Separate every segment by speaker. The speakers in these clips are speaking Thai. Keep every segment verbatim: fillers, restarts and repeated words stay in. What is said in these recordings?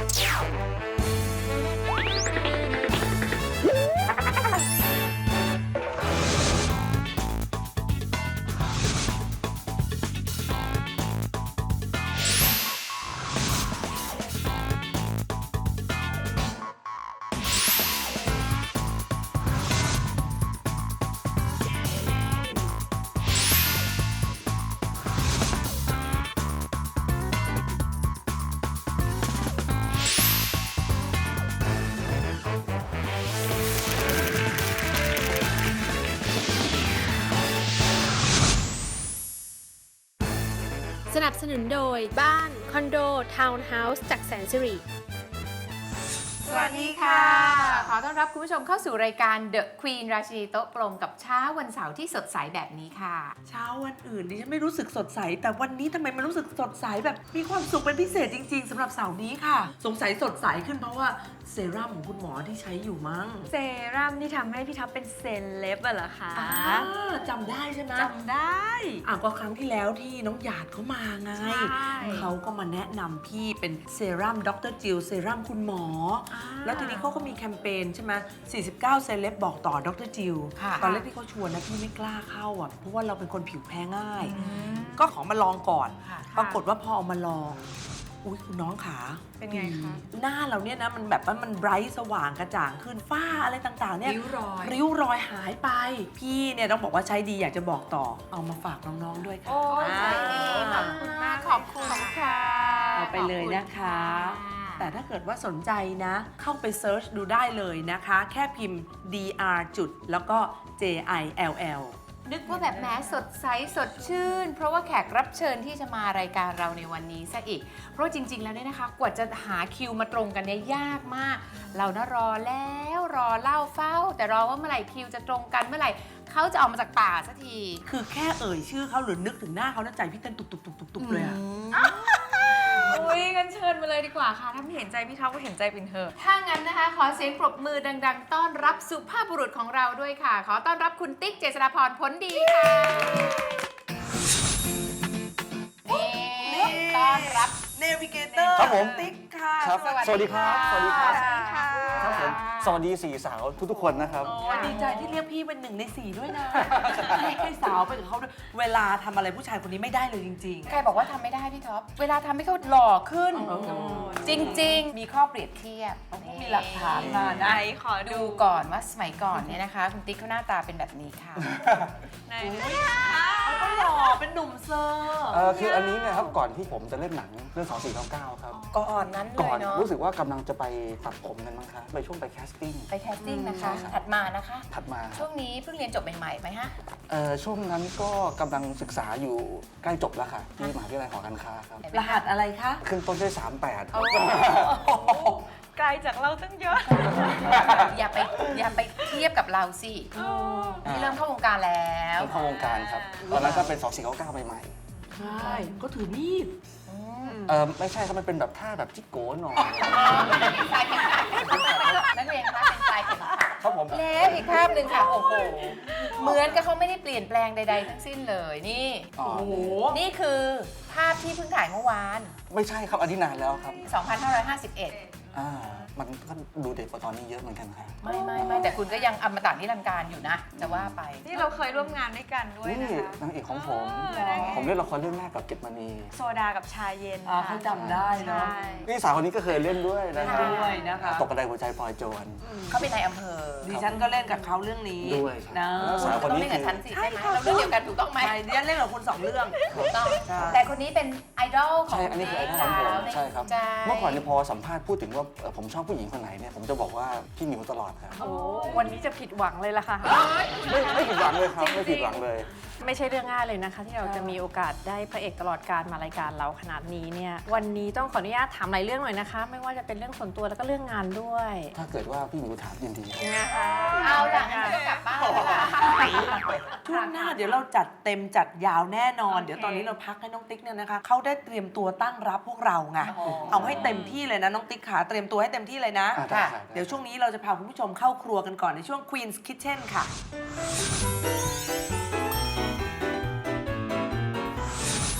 Speaker 1: สนับสนุนโดยบ้านคอนโดทาวน์เฮาส์จากแสนสิริ
Speaker 2: สวัสดีค่ะขอต้อนรับคุณผู้ชมเข้าสู่รายการ The Queen ราชินีโต๊ะกลมกับเช้าวันเสาร์ที่สดใสแบบนี้ค่ะ
Speaker 3: เช้าวันอื่นดิฉันไม่รู้สึกสดใสแต่วันนี้ทำไมมันรู้สึกสดใสแบบมีความสุขเป็นพิเศษจริงๆสำหรับเสาร์นี้ค่ะสงสัยสดใสขึ้นเพราะว่าเซรั่มของคุณหมอที่ใช้อยู่มั้ง
Speaker 4: เซรั่มที่ทำให้พี่ท็อปเป็นเซเลบอะเหรอคะ
Speaker 3: จำได้ใช่ไหม
Speaker 4: จำได้
Speaker 3: อ่ะก็ครั้งที่แล้วที่น้องหยาดเขามาไงเขาก็มาแนะนำพี่เป็นเซรั่มดรจิลเซรั่มคุณหมอแล้วทีนี้เขาก็มีแคมเปญใช่ไหมสี่สิบเก้าเซเลบบอกต่อดรจิลตอนแรกที่เขาชวนนะพี่ไม่กล้าเข้าอ่ะเพราะว่าเราเป็นคนผิวแพ้ง่ายก็ขอมาลองก่อนปรากฏว่าพอเอามาลองอุ้ยคุณน้องขา
Speaker 4: เป็นไงคะ
Speaker 3: หน้าเราเนี่ยนะมันแบบว่ามันไบรท์สว่างกระจ่างขึ้นฝ้าอะไรต่างๆเนี่ย
Speaker 2: ริ้วรอย
Speaker 3: ริ้วรอยหายไปพี่เนี่ยต้องบอกว่าใช้ดีอยากจะบอกต่อเอามาฝากน้องๆด้วยค่ะ
Speaker 2: โอ้ใช่ขอบคุณมากขอบคุณค่ะ
Speaker 3: เอาไปเลยนะคะแต่ถ้าเกิดว่าสนใจนะเข้าไปเซิร์ชดูได้เลยนะคะแค่พิมพ์ ดี อาร์ จุดแล้วก็ เจ ไอ แอล แอล
Speaker 2: นึกว่าแบบแม้สดใสสดชื่นเพราะว่าแขกรับเชิญที่จะมารายการเราในวันนี้ซะอีกเพราะจริงๆแล้วเนี่ยนะคะกว่าจะหาคิวมาตรงกันเนี่ยยากมากเรานะรอแล้วรอเล่าเฝ้าแต่รอว่าเมื่อไหร่คิวจะตรงกันเมื่อไหร่เขาจะออกมาจากป่าสักที
Speaker 3: คือแค่เอ่ยชื่อเขาหรือนึกถึงหน้าเขาแล้วใจพี่เต้นตุบๆๆๆเลยอะ
Speaker 4: อุ้ยงั้นเชิญมาเลยดีกว่าค่ะถ้าไม่เห็นใจพี่ท็อปก็เห็นใจปิ่นเถอะ
Speaker 2: ถ้างั้นนะคะขอเสียงปรบมือดังๆต้อนรับสุภาพบุรุษของเราด้วยค่ะขอต้อนรับคุณติ๊กเจษฎาพรผลดีค่ะนี่ต้อนรับ
Speaker 3: เนวิเกเตอร์
Speaker 5: ครับผม
Speaker 3: ติ๊กค่ะ
Speaker 5: ครับสวัสดีครับสวัสดีครับครับผมสวัสดีสี่สาวทุกๆคนนะครับ
Speaker 3: ดีใจที่เรียกพี่เป็นหนึ่งในสี่ด้วยนะให้สาวไปกับเขาด้วยเวลาทำอะไรผู้ชายคนนี้ไม่ได้เลยจริง
Speaker 2: ๆใครบอกว่าทำไม่ได้พี่ท็อปเวลาทำให้เขาหล่อขึ้นจริงๆมีข้อเปรียบเทียบ
Speaker 3: มีหลักฐานมา
Speaker 4: ไหนขอ
Speaker 2: ดูก่อนว่าสมัยก่อนเนี่ยนะคะคุณติ๊กเขาหน้าตาเป็นแบบนี้ค่ะ
Speaker 4: ไหน
Speaker 3: เขาก็หล่อเป็นหนุ่มเซอร์
Speaker 5: เออคืออันนี้เนี่ยครับก่อนที่ผมจะเล่นหนังเรื่องสองสี่เก้าเก้าครับ
Speaker 2: ก่อนนั้นเลยเนาะ
Speaker 5: รู้สึกว่ากำลังจะไปตัดผมกันมั้งคะไปช่วงไปแคสติ้ง
Speaker 2: ไปแคสติ้งนะคะถัดมานะคะ
Speaker 5: ถัดมา
Speaker 2: ช่วงนี้เพิ่งเรียนจบใหม่ๆไหมฮะ
Speaker 5: เออช่วงนั้นก็กำลังศึกษาอยู่ใกล้จบแล้วค่ะที่มหาวิทยาลัยหอการค้าครับ
Speaker 3: รหัสอะไรคะ
Speaker 5: ขึ้นต้นด้วยสามแปด
Speaker 4: ไกลจากเราตั้งเยอะ
Speaker 2: อย่าไปอย่าไปเทียบกับเราสิที่เริ่มเข้าวงการแล้ว
Speaker 5: เข้าวงการครับตอนนั้นก็เป็นสองสี่เก้าเก้าใหม่
Speaker 3: ๆใช่ก็ถือมีด
Speaker 5: เออไม่ใช่ครับมันเป็นแบบท่าแบบจิ๊กโก้หน่อย
Speaker 2: นักเรียนคะเป็นสายเข็มขัด
Speaker 5: ครับผม
Speaker 2: แล้วอีกภาพหนึ่งค่ะโอ้โหเหมือนกับเขาไม่ได้เปลี่ยนแปลงใดๆทั้งสิ้นเลยนี่โอ้โหนี่คือภาพที่เพิ่งถ่ายเมื่อวาน
Speaker 5: ไม่ใช่ครับอันนี้นานแล้วครับ
Speaker 2: สองพันห้าร้อยห้าสิบเอ็ด
Speaker 5: อ่ามันก็ดูเด็กกว่าตอนนี้เยอะเหมือนกันครับ
Speaker 2: ไม่ไม่ไม่แต่คุณก็ยังอมตะนิรันดร์การอยู่นะจะว่าไป
Speaker 4: นี่เราเคยร่วมงานด้วยกันด้วย
Speaker 5: นะคะนี่นางเอกของผมผมเล่นละครเรื่องแรกกับเกตมณี
Speaker 4: โซดากับชาเย็น
Speaker 3: เขาจำได้เนาะ
Speaker 5: นี่สาวคนนี้ก็เคยเล่นด้วยนะคะ
Speaker 3: ด้วยนะคะ
Speaker 5: ตกกระไดหัวใจพลอยโจร
Speaker 2: เขาเป็นนายอำเภอ
Speaker 3: ดิฉันก็เล่นกับเขาเรื่องนี้
Speaker 5: ด้วย
Speaker 3: นะ
Speaker 2: สาวคนนี้ต้องเล่นกับฉันสิใช่ไหมเราเรื่องเดียวกันถูกต้องไหม
Speaker 3: ดิฉันเล่นกับคุณสองเรื่อง
Speaker 2: ถูกต้องแต่คนนี้เป็นไอดอลของ
Speaker 5: ใช่อันนี้คือไอดอลของผมใช่ครับเมื่อก่อนเนี่ยพอสัมภาษณ์พูดถึงว่าผมชอบผู้หญิงคนไหนเนี่ยผมจะบอกว่าพี่มิวตลอดครับ
Speaker 4: โอ้วันนี้จะผิดหวังเลยล่ะค่ะ
Speaker 5: ไม่ไม่ผิดหวังเลยครับไม่ผิดหวังเลย
Speaker 4: ไม่ใช่เรื่องง่ายเลยนะคะที่เราจะมีโอกาสได้พระเอกตลอดการมารายการเราขนาดนี้เนี่ยวันนี้ต้องขออนุญาตถามหลายเรื่องหน่อยนะคะไม่ว่าจะเป็นเรื่องส่วนตัวแล้วก็เรื่องงานด้วย
Speaker 5: ถ้าเกิดว่าพี่มิวถามยินดี
Speaker 2: นะคะเอาล่ะงั้นก็กลับบ้านแล้วล่ะ
Speaker 3: ช่วงหน้าเดี๋ยวเราจัดเต็มจัดยาวแน่นอนเดี๋ยวตอนนี้เราพักให้น้องติ๊กเนี่ยนะคะเขาได้เตรียมตัวตั้งรับพวกเราไงเอาให้เต็มที่เลยนะน้องติ๊กขาเตรียมตัวให้เต็มที่เลยนะเดี๋ยวช่วงนี้เราจะพาคุณผู้ชมเข้าครัวกันก่อนในช่วง Queen's Kitchen ค่ะ
Speaker 2: Queen's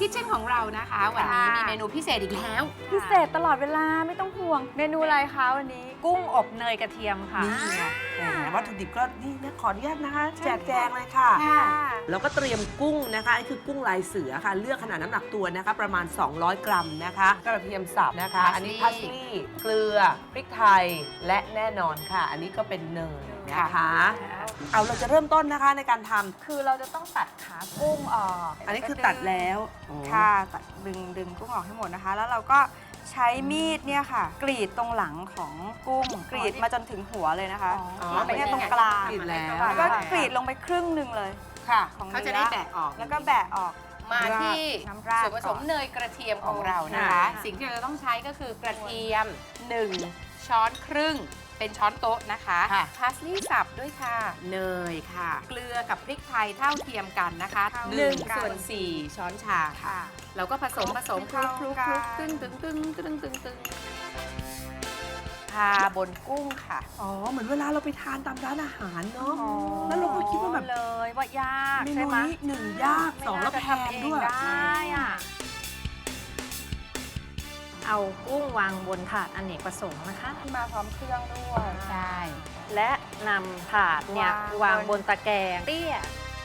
Speaker 2: คิทเช่นของเรานะคะ วันนี้มีเมนูพิเศษอีกแล้ว
Speaker 6: พิเศษตลอดเวลาไม่ต้องห่วง เมนูอะไรคะวันนี้
Speaker 4: กุ้งอบเนยกระเทียมค่ะ
Speaker 3: นี่ไงแหมวัตถุดิบก็นี่นะขออนุญาตนะคะแจกแจงเลยค่ะ
Speaker 6: ค่ะ
Speaker 3: แล้วก็เตรียมกุ้งนะคะอันนี้คือกุ้งลายเสือค่ะ เลือกขนาดน้ำหนักตัวนะคะ ประมาณ สองร้อย กรัมนะคะกระเทียมสับนะคะ อันนี้พัสลีย์เกลือพริกไทยและแน่นอนค่ะ อันนี้ก็เป็นเนยนะคะ เอาเราจะเริ่มต้นนะคะในการทำ
Speaker 6: คือเราจะต้องตัดขากุ้งออก
Speaker 3: อันนี้คือตัดแล้วอ๋อ
Speaker 6: ค่ะตัดดึงดึงกุ้งออกให้หมดนะคะ แล้วเราก็ใช้มีดเนี่ยค่ะ กรีดตรงหลังของกุ้ง กรีดมาจนถึงหัวเลยนะคะ
Speaker 2: อ๋อ
Speaker 6: ไม่ใช่ตรงกลาง
Speaker 3: กรีดแล้ว
Speaker 6: แล้วก็กรีดลงไปครึ่งหนึ่งเลย
Speaker 2: ค่ะ
Speaker 6: ของ
Speaker 2: เขาจะได้แบะออก
Speaker 6: แล้วก็แบะออก
Speaker 2: มาที่
Speaker 6: น้ำราด
Speaker 2: ส่วนผสม
Speaker 6: ก่อน
Speaker 2: เนยกระเทียมของเรานะคะ
Speaker 6: ค่ะ
Speaker 2: สิ่งที่เราจะต้องใช้ก็คือกระเทียม หนึ่ง ช้อนครึ่ง เป็นช้อนโต๊ะนะคะพาสลีย์สับด้วยค่ะ เนยค่ะ เกลือกับพริกไทยเท่าเทียมกันนะคะหนึ่งส่วนสี่ช้อนชาค่ะ
Speaker 6: ค่ะ
Speaker 2: เราก็ผสมผสมคลุกคลุกคลุก
Speaker 6: เข้ากั
Speaker 2: ตึ้
Speaker 6: น
Speaker 2: งตึ้งตึ้งตึ้งตึ้งตึ้งทาบนกุ้งค่ะ
Speaker 3: อ๋อ เหมือนเวลาเราไปทานตามร้านอาหารเนาะ แล้วเราก็คิดว่าแบบ
Speaker 4: เลยว่ายาก
Speaker 3: เม
Speaker 4: ใช่
Speaker 3: นู
Speaker 4: ไหม
Speaker 3: นี้หนึ่งยากสองแล้วแพงด้วย
Speaker 4: ได้อะเอากุ้งวางบนถาดอเนกประสงค์นะคะ
Speaker 6: มาพร้อมเครื่องด้วย
Speaker 2: ใช่
Speaker 4: และนำถาดเนี่ยว
Speaker 6: าง
Speaker 4: วางบนตะแกรงเตี้ย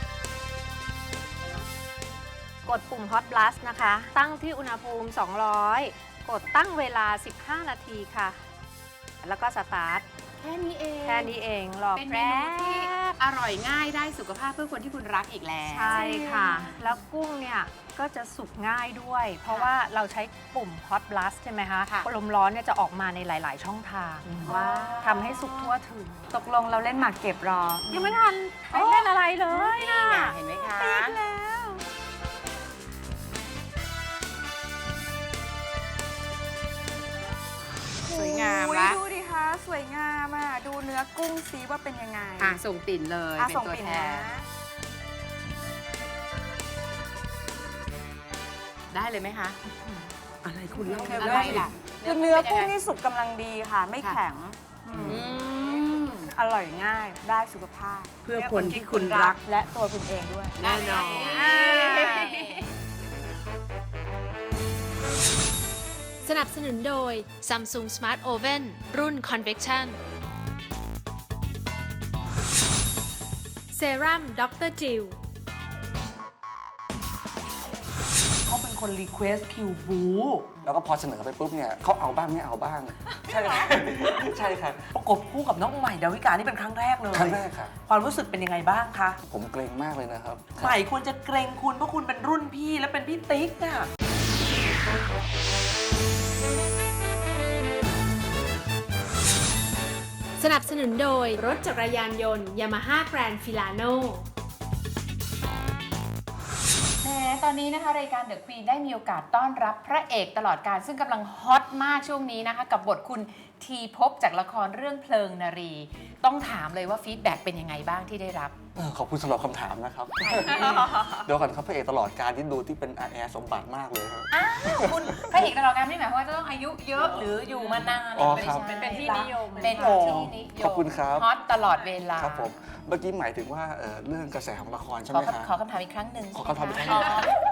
Speaker 4: กดปุ่ม Hot Blast นะคะ ตั้งที่อุณหภูมิ สองร้อย กดตั้งเวลา สิบห้า นาทีค่ะ แล้วก็สตาร์ท
Speaker 2: แค่นี้เอง
Speaker 4: แค่นี้เองรอ
Speaker 2: เป็นเม
Speaker 4: แป๊
Speaker 2: นูที่
Speaker 4: บ
Speaker 2: อร่อยง่ายได้สุขภาพเพื่อคนที่คุณรักอีกแล้ว
Speaker 4: ใช่ค่ะ แล้วกุ้งเนี่ยก็จะสุกง่ายด้วย เพราะว่าเราใช้ปุ่ม Hot Blast ใช่ไหมคะ
Speaker 2: ค่ะ
Speaker 4: ลมร้อนเนี่ยจะออกมาในหลาย ๆ ช่องทางว่าทำให้สุกทั่วถึง
Speaker 6: ตกลงเราเล่นหมากเก็บรอ
Speaker 4: ยังไม่ทันไปเล่นอะไรเลยนะ
Speaker 2: นี่ไงเห็นไหมคะ สวยงาม
Speaker 6: โอ้ย
Speaker 2: ละ
Speaker 6: ดูดิคะสวยงามอ่ะ ดูเนื้อกุ้งซีว่าเป็นยังไง
Speaker 2: อ่ะส่งปิ่นเลย
Speaker 6: อ่ะ
Speaker 2: เป็น
Speaker 6: ส่ง
Speaker 2: ตัว
Speaker 6: ปิ่น
Speaker 2: แท
Speaker 6: นะ
Speaker 2: นได้เลยไหมคะ
Speaker 3: อะไรคุณเล่า
Speaker 2: อะไรล่ะ
Speaker 6: คือเนื้อกุ้ง
Speaker 2: ป็ยัไ
Speaker 6: นี่สุกกำลังดีค่ะ ไม่
Speaker 2: ค่ะ
Speaker 6: แข็ง
Speaker 2: อืม
Speaker 6: อร่อยง่ายได้สุขภาพ
Speaker 3: เพื่อคนที่คุณรัก
Speaker 6: และตัวคุณเองด้วย
Speaker 2: แน่นอน
Speaker 1: สนับสนุนโดย Samsung Smart Oven รุ่น Convection Serum ด็อกเตอร์ จิล
Speaker 3: เขาเป็นคนรีเควสคิวบู
Speaker 5: แล้วก็พอเสนอไปปุ๊บเนี่ยเขาเอาบ้างไม่เอาบ้าง ใช่ครับ ใช่ครับ
Speaker 3: ประกบคู่กับน้องใหม่ดาวิกานี่เป็นครั้งแรกเลย
Speaker 5: ครั้งแรกค่ะ
Speaker 3: ความรู้สึกเป็นยังไงบ้างคะ
Speaker 5: ผมเกรงมากเลยนะครับ
Speaker 3: ใหม่ควรจะเกรงคุณเพราะคุณเป็นรุ่นพี่และเป็นพี่ติ๊กน่ะ
Speaker 1: สนับสนุนโดยรถจักรยานยนต์ Yamaha Grand Filano
Speaker 2: แหมตอนนี้นะคะรายการ The Queen ได้มีโอกาสต้อนรับพระเอกตลอดการซึ่งกำลังฮอตมากช่วงนี้นะคะ กับบทคุณทีภพจากละครเรื่องเพลิงนารี ต้องถามเลยว่าฟีดแบ็กเป็นยังไงบ้างที่ได้รับ
Speaker 5: เออขอบคุณสำหรับคำถามนะครับ เดี๋ยวก่อนครับพระเอกตลอดการที่ดูที่เป็นอาแอร์สมบัติมากเลยครับ
Speaker 2: อ้าวคุณพระเอกตลอดการไม่ได้หมายความว่าจะต้องอายุเยอะหรืออยู่มานาน
Speaker 5: อ๋อ
Speaker 2: ไม่
Speaker 5: ครับ
Speaker 2: ใช่
Speaker 4: เป็นที่นิยม
Speaker 2: เป็น
Speaker 5: โอ้
Speaker 2: ที่นิยม
Speaker 5: ขอบคุณครับ
Speaker 2: ฮอตตลอดเวลา
Speaker 5: ครับผม เมื่อกี้หมายถึงว่าเอ่อเรื่องกระแสของละครใช่
Speaker 2: ข
Speaker 5: ไห
Speaker 2: อ
Speaker 5: ม
Speaker 2: คำ
Speaker 5: ครับ
Speaker 2: ขอคำถามอีกครั้งหนึ่ง
Speaker 5: ขอคำถามอีกครั้งหนึ่ง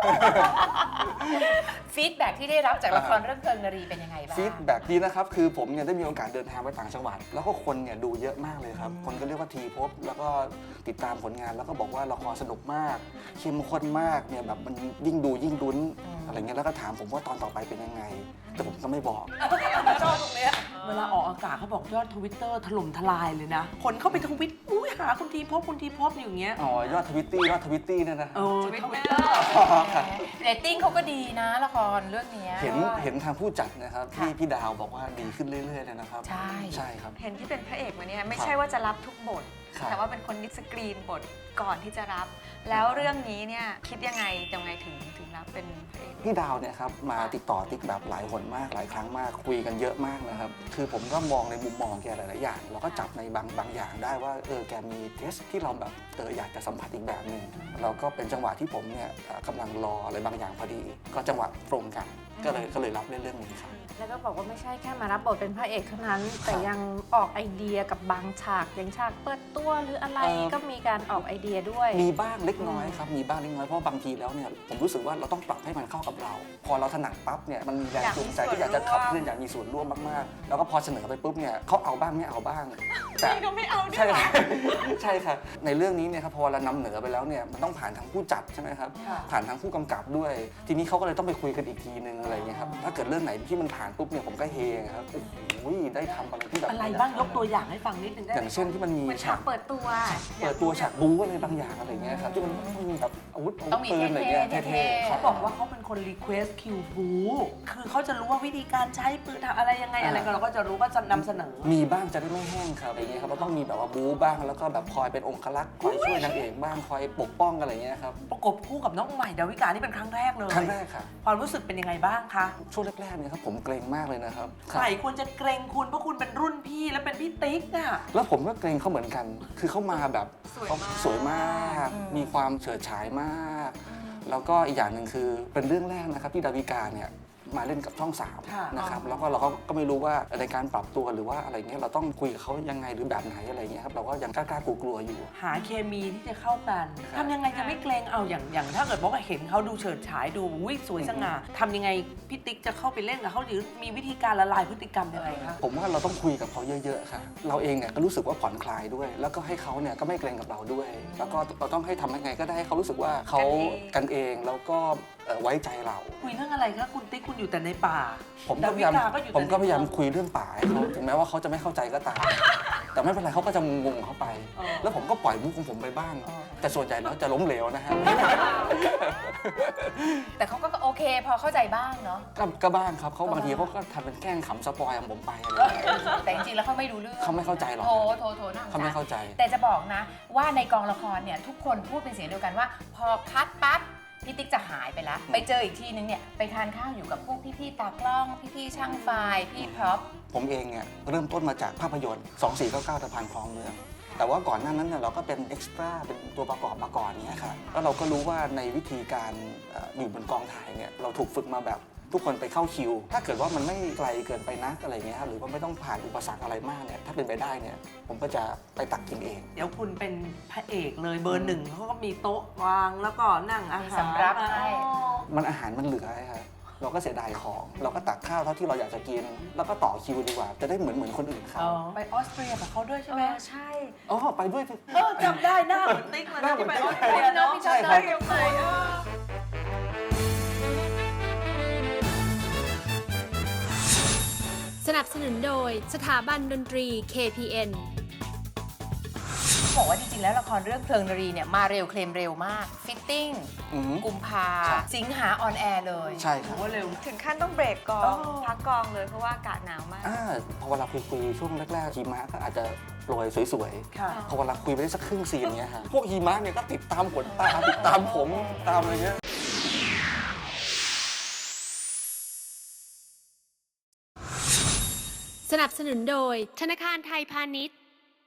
Speaker 2: ฟีดแบ็กที่ได้รับจากละครเรื่องเพลิงนารีเป็นยังไงบ้าง
Speaker 5: ฟีดแบ็กดีนะครับ คือผมเนี่ยได้มีโอกาสเดินทางไปต่างจังหวัด แล้วก็คนเนี่ยดูเยอะมากเลยครับ คนก็เรียกว่าทีพบ แล้วก็ติดตามผลงาน แล้วก็บอกว่าละครสนุกมาก เข้มข้นมาก เนี่ยแบบมันยิ่งดูยิ่งลุ้น อะไรเงี้ย แล้วก็ถามผมว่าตอนต่อไปเป็นยังไง แต่ผมก็ไม่บอก
Speaker 2: ชอบตรงเนี้ย
Speaker 3: เวลาออกอากาศเขาบอกยอดทวิตเตอร์ถล่มทลายเลยนะ คนเข้าไปทวิตอุ้ยหาคุณทีพบคุณทีพบอย่างเงี้ย
Speaker 5: อ๋อ ยอดทวิตตี้ ยอดทวิตตี้เนี่ยนะ
Speaker 3: เออ
Speaker 2: ทวิต
Speaker 3: ทวิต
Speaker 2: เต
Speaker 3: เต
Speaker 2: อ
Speaker 3: อ
Speaker 2: ร์
Speaker 3: ร์
Speaker 5: ครับ
Speaker 2: เรตติ้งเขาก็ดีนะละครเรื่องเนี้ย
Speaker 5: เห็นเห็นทางผู้จัดนะครับ
Speaker 2: ค่ะ
Speaker 5: ที่พี่ดาวบอกว่าดีขึ้นเรื่อยๆเลยนะครับ
Speaker 2: ใช่
Speaker 5: ใช่ครับ
Speaker 6: เห็นที่เป็นพระเอกมาเนี่ยไม่
Speaker 5: ครับ
Speaker 6: ใช่ว่าจะรับทุกบท
Speaker 5: ครับ
Speaker 6: แต่ว่าเป็นคนนิสกรีนบทก่อนที่จะรับ แล้วเรื่องนี้เนี่ยคิดยังไงยังไงถึงถึงรับเป็นพระเอก
Speaker 5: พี่ดาวเนี่ยครับมาติดต่อติ๊กแบบหลายหนมากหลายครั้งมากคุยกันเยอะมากนะครับ คือผมก็มองในมุมมองแกหลาย ๆ อย่าง เราก็จับในบางบางอย่างได้ว่าเออแกมีเทสที่เราแบบเอออยากจะสัมผัสอีกแบบหนึ่งแล้วก็เป็นจังหวะที่ผมเนี่ยเอ่อกำลังรออะไรบางอย่างพอดี ก็จังหวะตรงกันก็เลยก็เลยรับเล่นเรื่องนี้ครับ
Speaker 4: แล้วก็บอกว่าไม่ใช่แค่มารับบทเป็นพระเอกเท่านั้น แต่ยังออกไอเดียกับบางฉากอย่างฉากเปิดตัวหรืออะไร
Speaker 5: เอ่อ
Speaker 4: ก็มีการออกไอเดียด้วย
Speaker 5: มีบ้างเล็กน้อยครับมีบ้างเล็กน้อยเพราะบางทีแล้วเนี่ยผมรู้สึกว่าเราต้องปรับให้มันเข้ากับเรา พอเราถนัดปั๊บเนี่ยมันมีแรงจูงใจที่อยากจะขับเคลื่อนอยากมีส่วนร่วมมากๆแล้วก็พอเสนอไปปุ๊บเนี่ยเขาเอาบ้างไม่เอาบ้างแต่ก็ไม่เอาใช่ครับ ใช่ครับในเรื่องนี้เนี่ยครับพอเรานำเหนือไปแล้วเนี่ยมันต้องผ่านทางผู้จัดใช่ไหมครับผ่านทางผู้กำกับด้วย ทีนี้เขาก็เลยต้องไปคุยกันอีกทีนึงอะไรอย่างเงี้ยครับถ้าเกิดเรื่องไหนที่มันผ่านปุ๊บเนี่ยผมก็เฮครับโอ้โหได้ทำอะไรที่แบบ
Speaker 3: อะไรบ้างยกตัวอย่างให้ฟังนิดนึงได้
Speaker 5: อ
Speaker 3: ไหม
Speaker 5: ย่างเช่นที่มันมี
Speaker 6: เหมือนฉากเปิดตัว
Speaker 5: เปิดตัวฉากบู๊อะไรบางอย่างอะไรเงี้ยครับที่มันต้องมีแบบอาวุธอาวุ
Speaker 2: ต้
Speaker 5: ธ
Speaker 2: องมี
Speaker 5: ปืนอะไรเงี้ย
Speaker 2: เท่ๆ
Speaker 5: เท่ๆ
Speaker 3: เขาบอกว่าเขาเป็นคนรีเควสคิวบูคือเขาจะรู้ว่าวิธีการใช้ปืนทำอะไรยังไงอะไรก็เราก็จะรู้ก็จะนำเสนอ
Speaker 5: มีบ้างจะได้ไม่แห้งครับอะไรเงี้ยครับเราต้องมีแบบว่าบู๊บ้างแล้วก็แบบคอยเป็นองครักษ์คอยช่วยนางเอกบ้างคอยปกป้องอะไรเงี้ยครับ
Speaker 3: ประกบคู่กับน้องใหม่ดาวิกานี่เป็นครั้งแรกเลย
Speaker 5: ครั้งแรกค่ะ
Speaker 3: ความรู้สึกเป็นยังไงบ้างคะ
Speaker 5: ช่วงแรกๆเนี่ยครับผมเกรงมากเลยนะครับ
Speaker 3: ใครควรจะเกรงคุณเพราะคุณเป็นรุ่นพี่และเป็นพี่ติ๊กอะ
Speaker 5: แล้วผมก็เกรงเขาเหมือนกัน คือเขามาแบบ
Speaker 6: สวย
Speaker 5: เขา
Speaker 6: มาก
Speaker 5: สวยมาก มีความเฉิดฉายมาก แล้วก็อีกอย่างหนึ่งคือเป็นเรื่องแรกนะครับที่ดาวิกาเนี่ยมาเล่นกับช่องสามนะครับแล้วก็เราก็ก็ไม่รู้ว่าในการปรับตัวหรือว่าอะไรเงี้ยเราต้องคุยกับเขายังไงหรือแบบไหนอะไรเงี้ยครับเราก็ยังกล้าๆกลัวๆอยู่
Speaker 3: หาเคมีที่จะเข้ากันทำยังไงจะไม่เกรงเอาอย่างอย่างถ้าเกิดว่าเห็นเขาดูเฉิดฉายดูอุ้ยสวยสง่าทำยังไงพี่ติ๊กจะเข้าไปเล่นกับเขาหรือมีวิธีการละลายพฤติกรรมยังไงคะ
Speaker 5: ผมว่าเราต้องคุยกับเขาเยอะๆค่ะเราเองเนี่ยก็รู้สึกว่าผ่อนคลายด้วย แล้วก็ให้เขาเนี่ยก็ไม่เกรงกับเราด้วย แล้วก็เราต้องให้ทำยังไงก็ได้ให้เขารู้สึกว่าเขากันเองแล้วก็เอ่อไว้ใจเรา
Speaker 3: คุยเรื่องอะไรคะคุณติ๊กคุณอยู่แต่ในป่า
Speaker 5: ผมก็พยายาม
Speaker 3: ดาวิกาก็อยู่แต่
Speaker 5: ผมก็พยายาม
Speaker 3: ใน
Speaker 5: คุยเรื่องป่าให้เขาถึงแม้ว่าเขาจะไม่เข้าใจก็ตาม แต่ไม่เป็นไรเขาก็จะงงๆเขาไป
Speaker 3: อ๋อ
Speaker 5: แล้วผมก็ปล่อยมุกของผมไปบ้าง
Speaker 3: อ๋อ
Speaker 5: แต่ส่วนใหญ่แล้วจะล้มเหลวนะฮะ
Speaker 2: แต่เขาก็โอเคพอเข้าใจบ้างเนาะ
Speaker 5: ก็ก็บ้างครับเขาบางทีเขาก็ทำเป็นแกล้งขำสปอยของผมไปอะไรอย่างเงี้ย
Speaker 2: แต่จริงๆแล้วเขาไม่รู้เรื่อง
Speaker 5: เขาไม่เข้าใจหรอก
Speaker 2: โถโถโถน่าสง
Speaker 5: เขาไม่
Speaker 2: สาร
Speaker 5: เข้าใจ
Speaker 2: แต่จะบอกนะว่าในกองละครเนี่ยทุกคนพูดเป็นเสียงเดียวกันว่า พอคัดปั๊บพี่ติ๊กจะหายไปแล้ว ไปเจออีกทีนึงเนี่ยไปทานข้าวอยู่กับพวกพี่ๆตากล้องพี่ๆช่างไฟพี่พร็อพ
Speaker 5: ผมเองเนี่ยเริ่มต้นมาจากภาพยนตร์ สองสี่เก้าเก้า ตะพานคลองเมือง แต่ว่าก่อนหน้านั้นเนี่ยเราก็เป็นเอ็กซ์ตร้าเป็นตัวประกอบมาก่อนเนี่ยครับแล้วเราก็รู้ว่าในวิธีการเอ่ออยู่บนกองถ่ายเนี่ยเราถูกฝึกมาแบบทุกคนไปเข้าคิว ถ้าเกิดว่ามันไม่ไกลเกินไปนักอะไรเงี้ยครับหรือว่าไม่ต้องผ่านอุปสรรคอะไรมากเนี่ยถ้าเป็นไปได้เนี่ยผมก็จะไปตักกินเอง
Speaker 3: เดี๋ยวคุณเป็นพระเอกเลยเบอร์หนึ่งเขาก็มีโต๊ะวางแล้วก็นั่งอาหาร
Speaker 2: มีสำรับให้
Speaker 3: อ๋อ
Speaker 5: มันอาหารมันเหลือครับเราก็เสียดายของ เราก็ตักข้าวเท่าที่เราอยากจะกิน แล้วก็ต่อคิวดีกว่า จะได้เหมือนเหมือนคนอื่นเขา
Speaker 3: ไปออสเตรียกับเขาด้วยใช่ไหม
Speaker 6: ใช่
Speaker 5: อ๋อไปด้วยสิ
Speaker 3: เออจำได้หน้าเหมือนติ๊กเลย
Speaker 5: หน้า
Speaker 3: นะ
Speaker 5: เหมื
Speaker 3: ที่
Speaker 5: อน
Speaker 3: ไป
Speaker 5: ติ๊
Speaker 3: อก อสเตรียเนาะ
Speaker 5: ใช่ครับ
Speaker 1: สนับสนุนโดยสถาบันดนตรี เค พี เอ็น
Speaker 2: บอกว่าจริงๆแล้วละครเรื่องเพลิงนรีเนี่ยมาเร็วเคลมเร็วมากฟิตติ้ง
Speaker 5: อือหือ
Speaker 2: กุมภา
Speaker 5: ครับ
Speaker 2: สิงหาออนแอร์เลย
Speaker 5: ใช่ค
Speaker 3: ถื
Speaker 5: รับ
Speaker 3: อว่าเร็ว
Speaker 6: ถึงขั้นต้องเบรกกอ
Speaker 3: อ๋
Speaker 6: ง
Speaker 3: อ
Speaker 6: พักกองเลยเพราะว่าอากาศหนาวมาก
Speaker 5: อ่าพอเวลาคุยคุยๆช่วงแรกๆหิมะก็อาจจะโปรยสวย
Speaker 3: ค่ะ
Speaker 5: ๆ พอเวลาคุยไปได้สักครึ่งซีนเนี้ยฮะพวกหิมะเนี่ยก็ติดตามขนตาติดตามผมตามอะไรเงี้ย
Speaker 1: สนับสนุนโดยธนาคารไทยพาณิชย์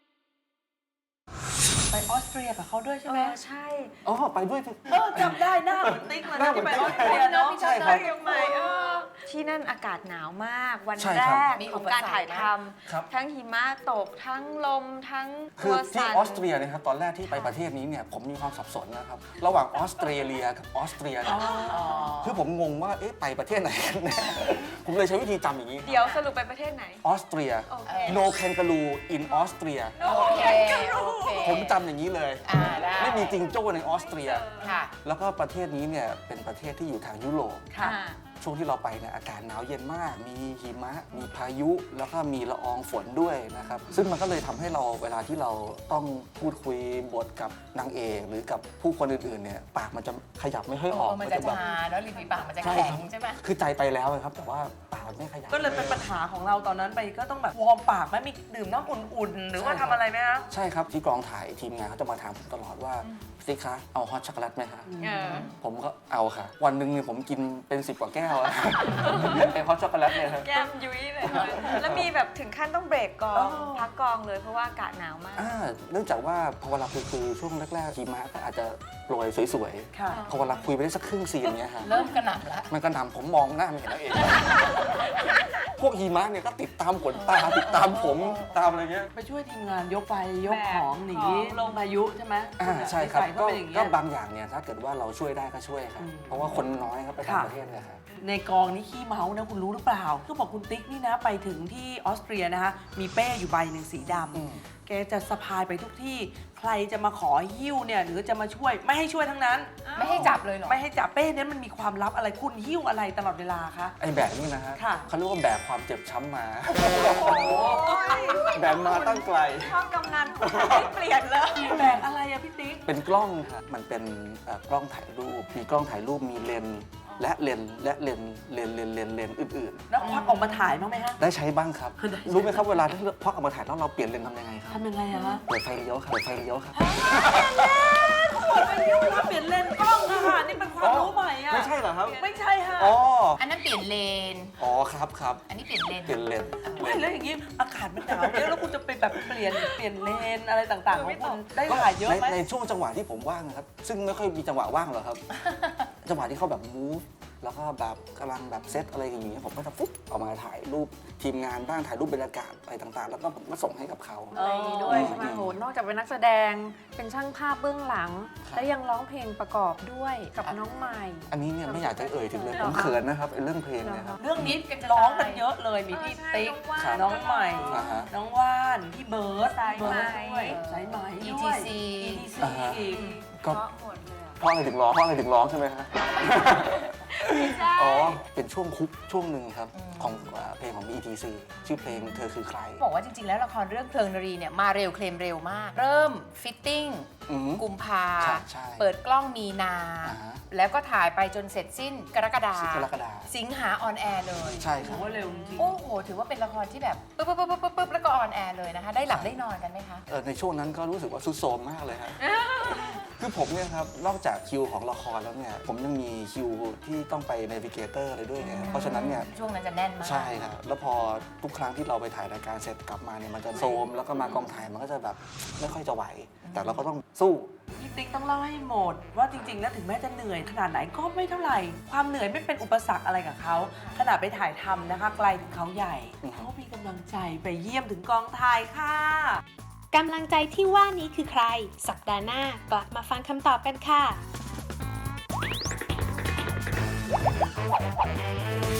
Speaker 3: ไปออสเตรียกับเขาด้วยใช่
Speaker 6: เอ
Speaker 3: ไหม
Speaker 6: อใช่
Speaker 5: อ๋อไปด้วยสิ
Speaker 3: เออจำได้หน้าเหมือนติ๊กเลย
Speaker 5: หน้า
Speaker 3: นะ
Speaker 5: เหมื
Speaker 3: ที่
Speaker 5: อน
Speaker 3: ไป
Speaker 5: ติ๊
Speaker 3: อก อสเตรียเนาะ
Speaker 5: ใช่ครับ
Speaker 6: ใหม่เออที่นั่นอากาศหนาวมากวัน
Speaker 5: ใช่
Speaker 6: แร
Speaker 5: ครับ
Speaker 6: กของการถ่ายท
Speaker 5: ครับ
Speaker 6: ำทั้งหิมะตกทั้งลมทั้ง
Speaker 5: คื
Speaker 6: ตั
Speaker 5: อ
Speaker 6: ว
Speaker 5: ที่
Speaker 6: สั่น
Speaker 5: ออสเตรียเนะครับตอนแรกที่ไปประเทศนี้เนี่ยผมมีความสับสนนะครับระหว่างออสเตรเลียกับออสเตรียเนี่ยคือผมงงว่าเอ๊ะไปประเทศไหนกันแน่ ผมเลยใช้วิธีจำอย่างนี้
Speaker 6: เดี๋ยวสรุปไปประเทศไหน
Speaker 5: ออสเตรีย
Speaker 6: โอเค
Speaker 5: no kangaroo in ออสเตรีย
Speaker 2: โอเคโอเค
Speaker 5: ผมจำอย่างนี้เลย
Speaker 2: อ่าได้
Speaker 5: ไม่มีจิงโจ้ในออสเตรีย
Speaker 2: ค่ะ
Speaker 5: แล้วก็ประเทศนี้เนี่ยเป็นประเทศที่อยู่ทางยุโรป
Speaker 3: ค่ะ
Speaker 6: อ่า
Speaker 5: ช่วงที่เราไปเนี่ยอากาศหนาวเย็นมาก มีหิมะ มีพายุ แล้วก็มีละอองฝนด้วยนะครับ ซึ่งมันก็เลยทำให้เราเวลาที่เราต้องพูดคุยบทกับนางเอกหรือกับผู้คนอื่นๆเนี่ยปากมันจะขยับไม่ค่อยออก
Speaker 2: เออมันจะ
Speaker 5: แบบ
Speaker 2: ชาแล้วริมฝีปากมันจะ
Speaker 5: ใช่
Speaker 2: แข็ง
Speaker 5: ครับ
Speaker 2: ใช่ไหม
Speaker 5: คือใจไปแล้วนะครับ แต่ว่าปากมันไม่ขยับ
Speaker 3: ก็เลยเป็นปัญหาของเราตอนนั้นไปก็ต้องแบบวอร์มปากไหมมีดื่มน้ำอุ่นๆ หรือว่าทำอะไรไหมคะ
Speaker 5: ใช่ครับที่กองถ่ายทีมงานเขาจะมาถามผมตลอดว่าสิคะเอาฮอตช็อกโกแลตไหมคะ
Speaker 2: เออ
Speaker 5: ผมก็เอาค่ะ วันหนึ่งเนี่ยผมกินเป็นสิบกว่าแก้วอะ ไอฮอตช็อกโกแลตเนี่ยครับ
Speaker 6: แก้มยุ้ยเลยแล้วมีแบบถึงขั้นต้องเบรกกอง พักกองเลยเพราะว่าอากาศหนาวมาก
Speaker 5: อ่าเนื่องจากว่าพอเวลาคุยคือช่วงแรกๆหิมะก็อาจจะโปรยสวย
Speaker 3: ค่ะ
Speaker 5: ๆ พอเวลาคุยไปได้สักครึ่งซีนเนี้ยฮะ
Speaker 2: เริ่มกระหน่ำแล้ว
Speaker 5: มันก็นำผมมองหน้าไม่เห็นแล้วเอง พวกหิมะเนี่ยก็ติดตามขนตาติดตามผมตามอะไรเงี้ย
Speaker 3: ไปช่วยทีมงานยกไปยก
Speaker 6: แบก
Speaker 3: ของหนี
Speaker 6: ของ
Speaker 3: ลงพายุใช่ไหม
Speaker 5: อ่าใช่ครับ
Speaker 3: นิสัยเขา
Speaker 5: ก็
Speaker 3: เป็นอย่างเงี้
Speaker 5: ก็
Speaker 3: ย
Speaker 5: บางอย่างเนี่ยถ้าเกิดว่าเราช่วยได้ก็ช่วยครับ
Speaker 3: อืม
Speaker 5: เพราะว่าคนน้อยครับไปต่าง
Speaker 3: ค่ะ
Speaker 5: ประเทศเนี่ยครับ
Speaker 3: ในกองนี้ขี้เมานะคุณรู้หรือเปล่าคือบอกคุณติ๊กนี่นะไปถึงที่ออสเตรียนะคะมีเป้อยู่ใบหนึ่งสีด
Speaker 5: อืม
Speaker 3: ำแกจะสะพายไปทุกที่ใครจะมาขอหิ้วเนี่ยหรือจะมาช่วยไม่ให้ช่วยทั้งนั้น
Speaker 2: ไม่ให้จับเลยเหรอ
Speaker 3: ไม่ให้จับเป้นั้นมันมีความลับอะไรคุณหิ้วอะไรตลอดเวลาคะ
Speaker 5: ไอ้แบกนี่นะฮะ
Speaker 3: ค่ะ
Speaker 5: เขาเรียกว่าแบกความเจ็บช้ำมา แบกมาตั้งไกล
Speaker 6: ชอบกำนันไม่เปลี่ยนเลย
Speaker 3: แบกอะไรอะพี่ติ๊ก
Speaker 5: เป็นกล้องครับมันเป็นเอ่อกล้องถ่ายรูป มีกล้องถ่ายรูปมีเลนส์และเลนส์และเลนส์เลนส์เลนส์เลนส์เลนส์อื่น
Speaker 3: แล้วควักออกมาถ่ายบ้างไหมฮะ
Speaker 5: ๆ ได้ใช้บ้างครับ รู้ไหมครับเวลาที่ควักออกมาถ่ายแล้วเราเปลี่ยนเลนส์ทำยังไงครับ
Speaker 3: ทำยังไงอะฮะ
Speaker 5: เปิดไฟเลี้ยวครับเปิดไฟเลี้ยวครับ
Speaker 3: เปิดไปหิ้วแล้วเปลี่ยนเลนส์กล้องอะค่ะนี่เป็นความรู้ใหม่อะ
Speaker 5: ไม่ใช่เหรอครับ
Speaker 3: ไม่ใช่ค่ะ
Speaker 5: อ๋อ
Speaker 2: อันนั้นเปลี่ยนเลน
Speaker 5: อ๋อครับครับ
Speaker 2: อันนี้เปลี่ยนเลน
Speaker 5: เปลี่ยนเลนส์
Speaker 3: ไม่แล้วอย่างนี้อากาศมันหนาวเยอะแล้วคุณจะไปแบบเปลี่ยนเปลี่ยนเลนอะไรต่างๆของคุณได้ถ่ายเยอะ
Speaker 5: ใน
Speaker 3: ไหม
Speaker 5: ในช่วงจังหวะที่ผมว่างนะครับ ซึ่งไม่ค่อยมีจังหวะว่างหรอกครับ จังหวะที่เขาแบบ move แล้วก็แบบกำลังแบบเซตอะไรอย่างเงี้ยผมก็จะฟุ๊บออกมาถ่ายรูปทีมงานบ้างถ่ายรูปบรรยากาศอะไรต่างๆ แล้วก็ผมก็ส่งให้กับเขา
Speaker 4: อะไรอย่างนี้ด้วยใช่ไหมโหนอกจากเป็นนักแสดงเป็นช่างภาพเบื้องหลัง และยังร้องเพลงประกอบด้วยกับน้องใหม่
Speaker 5: อันนี้เนี่ยไม่อยากจะเอ่ยถึงเลยผมเขินนะครับไอ้เรื่องเพลงเนี่ยครับ
Speaker 3: เรื่องนี้ร้องกันเยอะเลยมีพี่
Speaker 6: เออใช่
Speaker 3: ติ๊ก
Speaker 6: น้องว่าน
Speaker 3: น้องใหม่
Speaker 5: อ่าฮะ
Speaker 3: น้องว่านพี่เบิร์ด
Speaker 6: สายไหม
Speaker 3: เบิร์ดด้วยสายไหม
Speaker 2: อี
Speaker 3: ด้
Speaker 2: ที
Speaker 3: วย
Speaker 2: ซี
Speaker 3: อีทีซี
Speaker 5: อ่าฮะ
Speaker 3: อีก
Speaker 5: ก็
Speaker 6: เพราะหมดเลยอะ
Speaker 5: เพราะอะไรถึงร้องเพราะอะไรถึงร้องใช่ไหมฮะ
Speaker 6: ไม่ใช่
Speaker 5: อ๋อเป็นช่วงคุกช่วงหนึ่งครับของเอ่อเพลงของ อี ที ซี ชื่อเพลงเธอคือใคร
Speaker 2: บอกว่าจริงๆ แล้วละครเรื่องเพลิงนรีเนี่ยมาเร็วเคลมเร็วมาก เริ่มฟิตติ้ง
Speaker 5: อืม
Speaker 2: กุมภา
Speaker 5: ใช่ใช่
Speaker 2: เปิดกล้องมีนา
Speaker 5: อ่าฮะ
Speaker 2: แล้วก็ถ่ายไปจนเสร็จสิ้นกรกฎา
Speaker 5: สิบกรกฎา
Speaker 2: สิงหาออนแอร์เลย
Speaker 5: ใช่ค
Speaker 3: ถื
Speaker 5: รับ
Speaker 3: อว่าเร็วจริง
Speaker 2: โอ้โห ถือว่าเป็นละครที่แบบปุ๊บปุ๊บปุ๊บปุ๊บปุ๊บแล้วก็ออนแอร์เลยนะคะ ได้หลับได้นอนกันไหมคะ
Speaker 5: เออในช่วงนั้นก็รู้สึกว่าซุดโทรมมากเลยครับ คือผมเนี่ยครับ นอกจากคิวของละครแล้วเนี่ย ผมยังมีคิวที่ต้องไปเนวิเกเตอร์อะไรด้วยไงเพราะฉะนั้นเนี่ย ช่วงนั้นจะแน่นมาก ใช่ครับ แล้วพอทุกครั้งที่เราไปถ่ายรายการเสร็จกลับมาเนี่ยมันจะโซม แล้วก็มากองถ่ายมันก็จะแบบไม่ค่อยจะไหว แต่เราก็ต้องสู้
Speaker 3: พี่ติ๊กต้องเล่าให้หมด ว่าจริงๆ แล้วถึงแม้จะเหนื่อยขนาดไหนก็ไม่เท่าไหร่ ความเหนื่อยไม่เป็นอุปสรรคอะไรกับเขาขนาดไปถ่ายทำนะคะ ไกลถึงเขาใหญ่
Speaker 5: อือฮึ
Speaker 3: เขามีกำลังใจไปเยี่ยมถึงกองถ่ายค่ะ
Speaker 1: กำลังใจที่ว่านี้คือใคร สัปดาห์หน้ากลับมาฟังคำตอบกันค่ะ